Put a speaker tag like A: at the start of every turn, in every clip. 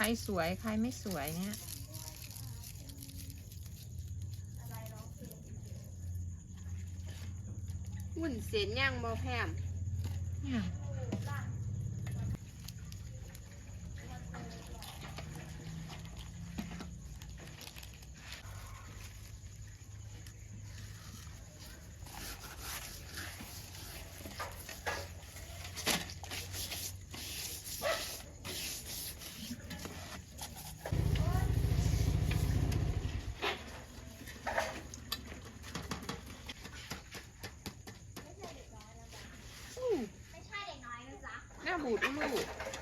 A: สวยใครไม่สวยเนี่ย
B: หุ่นเส้นย่างบ่แพม
A: เนี่ย
B: หน้าบูดลูก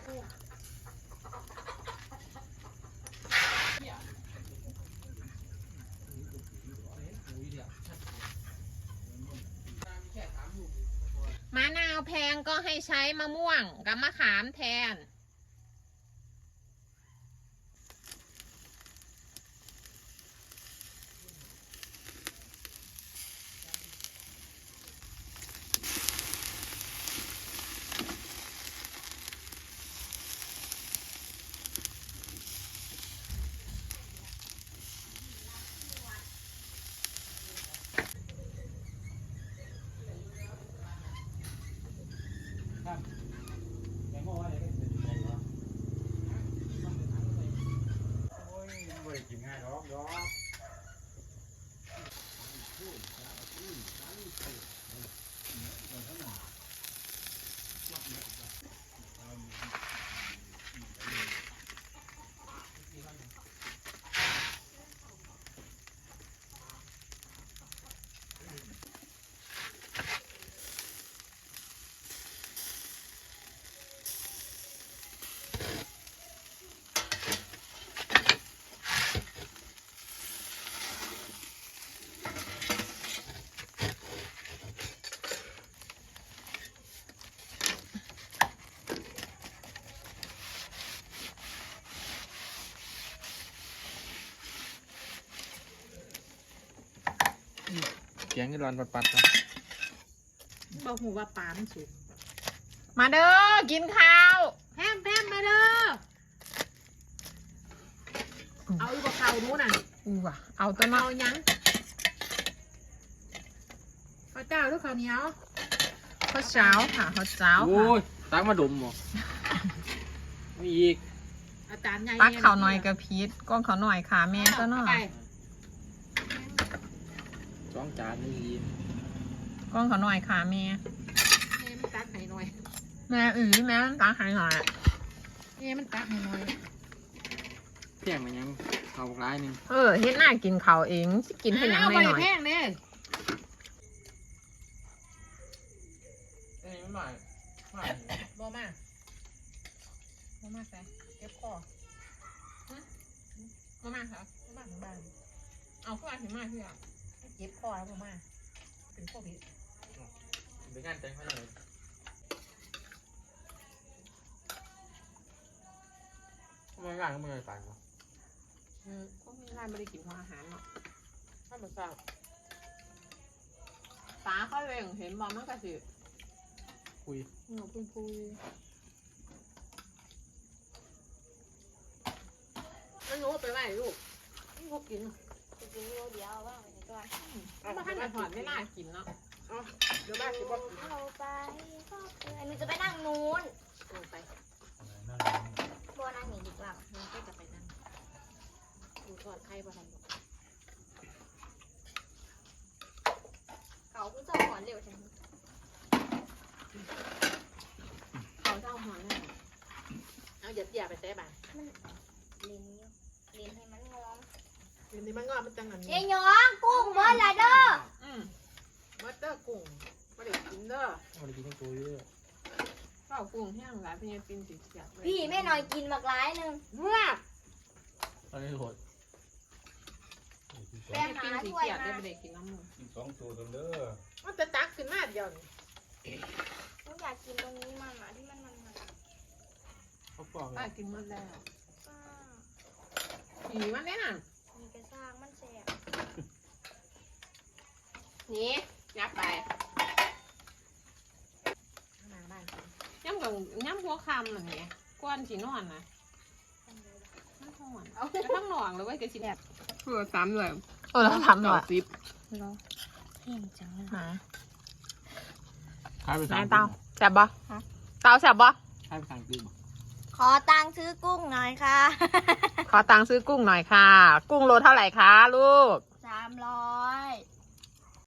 A: มะนาวแพงก็ให้ใช้มะม่วงกับมะขามแทน
C: เสียงนี่ร้อนปัดๆครับ
B: บอกหูว่าปามสุด
A: มาเด้อกินข้าว
B: แพมมาเด้อเอาอีกข้าวนู้นน่ะ
A: ว่ะเอาตัวน้อ
B: เอา
A: ย
B: ยังข้าวเจ้าหรือข้าวเหนียว
A: ข้าวเช้าค่ะข้าวเช้า
C: โอ้
A: ค่ะ
C: ยตักมาดมบ่ไม่อีก
B: อาจารย์ใหญ่
A: ตักเขาหน่อยกับพีชก้อนเขาหน่อยค่ะแม่ก็น่อย
C: สองจานนี่ยิน
A: ก้อนเขาหน่อยค่ะแม่
B: แม่มันตักให้หน่อย
A: แม่แม่ตักให้หน่อย
B: แม่มันตักให้หน่อย
C: เพียงมันยังเขาร้ายหนึ่ง
A: เฮ็ดหน้ากินเขาเองสิกินให้หยังหน่อย
B: แพงเด้
C: ไม่ไม่ไม่
B: บ่มาใส่เก็บคอ
A: มามาค่ะ
B: บ่มาถึงบ้าน
A: เอาเข้ามาถึงมาที่อ่ะ
B: เก็บคอแล้วบ่มาเป็นโควิด
C: เป็นงานแต่งเขาเลยทำไมร้านก็ไม่ได้ตังค์วะ
A: ก็ไม่ได้ไม่ได้กินอาหารเนาะ
B: ถ้าบ่ทราบ
A: ตาเขาเลยเห็นบอลมันก็สิ
C: คุย
A: หนูพูดแล้วหนูไปไหนลูกนี่พวกกิน
D: จะกินเดียวว่างไปก่อน
A: มาท่านจะถอดไม่น่ากินเนาะ
B: เดี๋ยวบ้านสิบ่กิน
D: เราไปก็คือหนูจะไปนั่งนู้น
B: ไป
D: โบนั่งหนีดีกว่า
B: มันก็จะไปนั่งดูทอดไข่บ่ทัน
D: เขาคุณจะหอนเร็วใช่ไหม
B: เขาเจ้าหอนแล้วเอาอย่าไปใส่บ้าน
D: เลนให้มันงอม
B: เดี๋ยวนี้มันงอมันจังอัน
D: เย้ยยองกุ้งเบอร์ละเด้อ
B: มัตเตอร์กุ้งบ่ได้กินเด้อ
C: มันกินทั้งตัวเยอะ
A: เป่ากุ้งแห้งหลายเป็นยังกินติดเสียบ
D: พี่แม่หน่อยกินบักร้ายหนึ่ง
B: เมื่อ
C: อันนี้โหด
D: แป้งหา
A: กินสี
D: ถ้วย
A: เกียบได้
D: มา
A: ไม่ได้กินน้ำมัน
E: สองตัวเด้อ
B: มันจะตักขึ้นมาเดียวนี่
D: หนูอยากกินตรงนี้มันอ่ะที่มัน
C: เขาปอก
A: ป้ากินหมดแล้ว
D: ป้า
A: ผีมันเนี่ย
D: มีกระซ่างมันแสบ
A: นี่ยับไป
B: มาบ้าน
A: ย่ำกับย่ำหัวคำหนึ่งเนี่ยก้อนสีนอนนะ
D: ทำเลยล่ะ
A: ห่อนแล้วทั้งหน่องเลยเว้ยกระชิบแบบ
C: เพื่อซ้ำด้วย
A: แล้วทำหน่อย
C: ซิป
D: เหรอเพ่งจังเลย
A: มา
C: ขายไป
A: ไหน
C: สั่ง
A: เตาแซ่บบ่เตาแซ่บบ่
C: ขายไปสั่งซิป
D: ขอตังค์ซื้อกุ้งหน่อยค่ะ
A: ขอตังค์ซื้อกุ้งหน่อยค่ะ กุ้งโลเท่าไหร่คะลูก
D: 300